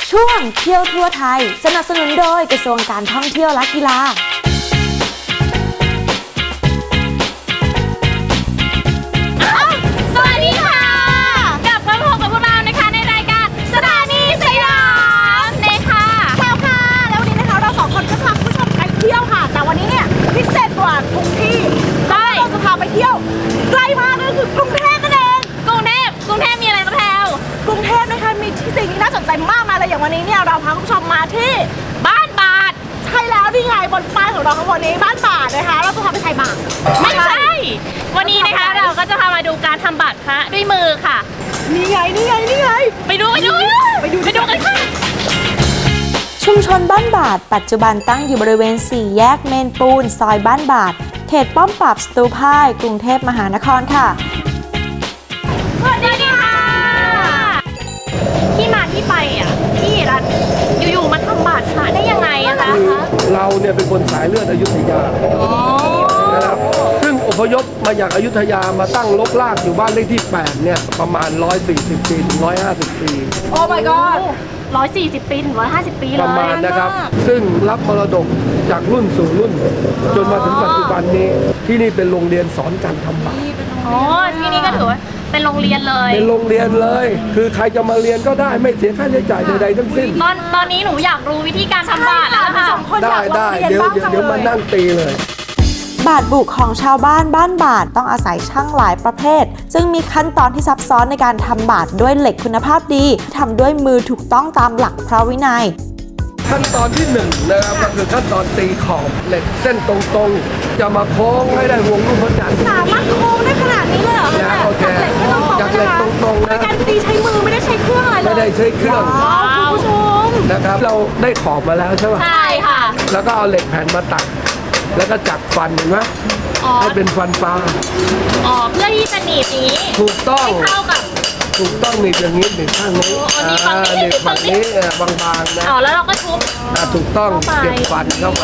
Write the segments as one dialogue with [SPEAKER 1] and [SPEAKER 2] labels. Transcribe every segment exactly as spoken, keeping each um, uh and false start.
[SPEAKER 1] ช่วงเที่ยวทั่วไทยสนับสนุนโดยกระทรวงการท่องเที่ยวและกีฬา
[SPEAKER 2] สวัสดีค่ะกลับมาพบกับพวกเรานะคะในรายการสถานีสยามเนค่ะ
[SPEAKER 3] แพรวค่ะแล้ววันนี้นะคะเราสองคนก็จะพาคุณผู้ชมไปเที่ยวค่ะแต่วันนี้เนี่ยพิเศษกว่าทุกที่เราจะพาไปเที่ยวใกล้มากเลยคือกรุงเทพนั่นเอง
[SPEAKER 2] กรุงเทพกรุงเทพมีอะไรมาแพรว
[SPEAKER 3] กรุงเทพนะคะมีที่สิ่งที่น่าสนใจมากมายเลยอย่างวันนี้เนี่ยเราพาคุณผู้ชมมาที่
[SPEAKER 2] บ้านบาท
[SPEAKER 3] ใช่แล้วนี่ไงบนป้ายของเราข้างบนนี้บ้านบาทนะคะเราจะพาไปใส่บาตร
[SPEAKER 2] ไม่ใช่วันนี้นะคะเราก็จะพามาดูการทำบาตรพระด้วยมือค่ะ
[SPEAKER 3] นี่ไงนี่ไงนี่ไง
[SPEAKER 2] ไปดูไปดูไปดูไปดูกันค่ะ
[SPEAKER 1] ชุมชนบ้านบาทปัจจุบันตั้งอยู่บริเวณสี่แยกเมนปูนซอยบ้านบาทเขตป้อมปราบสตูพ่ายกรุงเทพมหานครค่ะ
[SPEAKER 2] สวัสดีค่ะที่มาที่ไปอ่ะที่รัฐอยู่ๆมาทำบาตรพระได้ยังไงอะคะ
[SPEAKER 4] เราเนี่ยเป็นคนสายเลือดอยุธยานะครับซึ่งอพยพมาจากอยุธยามาตั้งรกรากอยู่บ้านเลขที่แปดเนี่ยประมาณหนึ่งร้อยสี่สิบปีถึงหนึ่งร้อยห้าสิบปี
[SPEAKER 3] โอ้ my god
[SPEAKER 2] ร้อยสี่สิบปีถึงร้อยห้าสิบปีเลย
[SPEAKER 4] ประมาณนะครับซึ่งรับมรดกจากรุ่นสู่รุ่นจนมาถึงปัจจุบันนี้ที่นี่เป็นโรงเรียนสอนการทำบาตร
[SPEAKER 2] อ๋อที่นี่ก็ถือว่าเป็นโรงเรียนเลย
[SPEAKER 4] เป็นโรงเรียนเลยคือใครจะมาเรียนก็ได้ไม่เสียค่าใช้จ่ายใดๆทั้งสิ้น
[SPEAKER 2] ตอนตอนนี้หนูอยากรู้วิธีการทำบาตรแล้วค่ะ
[SPEAKER 4] ได้ได้เดี๋ยวเดี๋ยวมานั่งตีเลย
[SPEAKER 1] บาตรบุของชาวบ้านบ้านบาทต้องอาศัยช่างหลายประเภทจึงมีขั้นตอนที่ซับซ้อนในการทำบาตรด้วยเหล็กคุณภาพดีทำด้วยมือถูกต้องตามหลักพระวินัย
[SPEAKER 4] ขั้นตอนที่หนึ่งนะครับก็คือขั้นตอนตีขอบเหล็กเส้นตรงๆจะมาโค้งให้ได้วงรูปพระจันทร์
[SPEAKER 3] สามารถโค้งได้ขนาดนี้เลยเหรอคะ
[SPEAKER 4] โอเคจากเหล็กตรงๆนะ
[SPEAKER 3] การตีใช้มือไม่ได้ใช้เครื่องอะไรเลย
[SPEAKER 4] ไม่ได้ใช้เครื่อง
[SPEAKER 3] คุณผู้ชม
[SPEAKER 4] นะครับเราได้ขอบมาแล้วใช่ไหม
[SPEAKER 2] ใช่ค่ะ
[SPEAKER 4] แล้วก็เอาเหล็กแผ่นมาตัดแล้วก็จับฟันเห็นไหมให้เป็นฟันปลา
[SPEAKER 2] อ๋อเพื่อที่จะหนีบอย่างนี้
[SPEAKER 4] ถูกต้อง
[SPEAKER 2] ให้เข้ากับ
[SPEAKER 4] ถูกต้องหนีบอย่างนี้หนีบข้างนี้
[SPEAKER 2] หนีบฝั่งนี้
[SPEAKER 4] หนีบฝั่งนี้บางๆนะ
[SPEAKER 2] อ๋อแล้วเราก็ทุบ
[SPEAKER 4] ถูกต้องเก็บฟันเข้าไป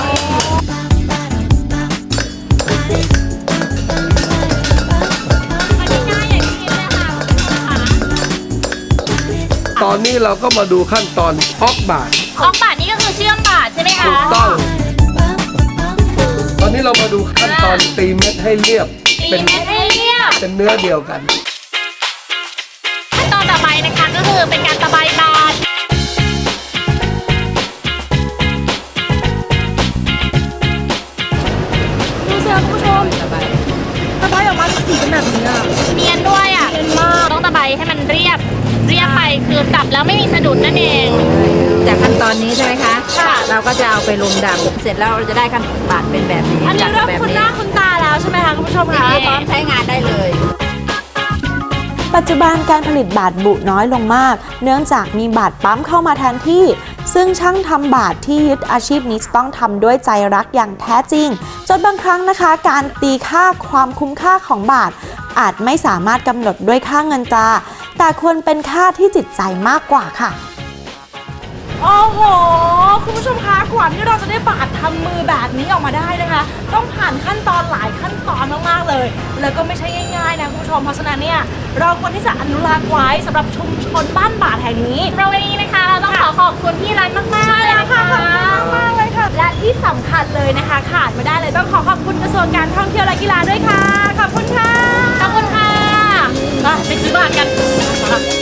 [SPEAKER 4] ตอนนี้เราก็มาดูขั้นตอนออกบาตร
[SPEAKER 2] ออกบาตรนี่ก็คือเชื่อมบาตรใช่ไหมคะ
[SPEAKER 4] ถูกต้องตอนนี้เรามาดูขั้นตอนตีเม็ดให้เรียบ
[SPEAKER 2] เป็นเม็ดให้เรียบ
[SPEAKER 4] เป็นเนื้อเดียวกัน
[SPEAKER 2] ขั้นตอนต่อไปนะคะก็คือเป็นการตะไบบาตร
[SPEAKER 3] ดูสิคุณผู้ชมตะไบตะไบออกมาสีเป็นแบบนี้อ่ะ
[SPEAKER 2] เนียนด้วยอ่ะเนียนมากต้องตะไบให้มันเรียบเรียบไปคือจับแล้วไม่มีสะดุดนั่นเอง
[SPEAKER 5] จากขั้นตอนนี้ใช่ไหมคะค่ะเราก็จะเอาไปลงดำเสร็จแล้วเราจะได้ขั้นบาตรเป็นแบบนี้
[SPEAKER 3] อันนี้เริ่มคุ้นหน้าคุ้นตาแล้วใช่ไหมคะคุณผู้ชมคะ
[SPEAKER 5] พร้อมใช้งานได้เลย
[SPEAKER 1] ปัจจุบันการผลิตบาตรบุน้อยลงมากเนื่องจากมีบาตรปั๊มเข้ามาแทนที่ซึ่งช่างทำบาตรที่ยึดอาชีพนี้ต้องทำด้วยใจรักอย่างแท้จริงจนบางครั้งนะคะการตีค่าความคุ้มค่าของบาตรอาจไม่สามารถกำหนดด้วยค่าเงินตราแต่ควรเป็นค่าที่จิตใจมากกว่าค่ะ
[SPEAKER 3] โอ้โหคุณผู้ชมคะกว่าที่เราจะได้บาตรทำมือแบบนี้ออกมาได้นะคะต้องผ่านขั้นตอนหลายขั้นตอนมากๆเลยแล้วก็ไม่ใช่ง่ายๆนะคุณผู้ชมเพราะฉะนั้นเนี่ยเราควรที่จะอนุรักษ์ไว้สำหรับชุมชนบ้านบาทแห่งนี้
[SPEAKER 2] เราวันนี้นะคะเราต้องขอขอบคุณพี่รันมากๆเลยนะคะ
[SPEAKER 3] ขอบคุณมากเลยค่ะและที่สำคัญเลยนะคะขาดไม่ได้เลยต้องขอขอบคุณกระทรวงการท่องเที่ยวและกีฬาด้วยค่ะขอบคุณค่ะ
[SPEAKER 2] ขอบคุณค่ะไปซื้อบาตรกัน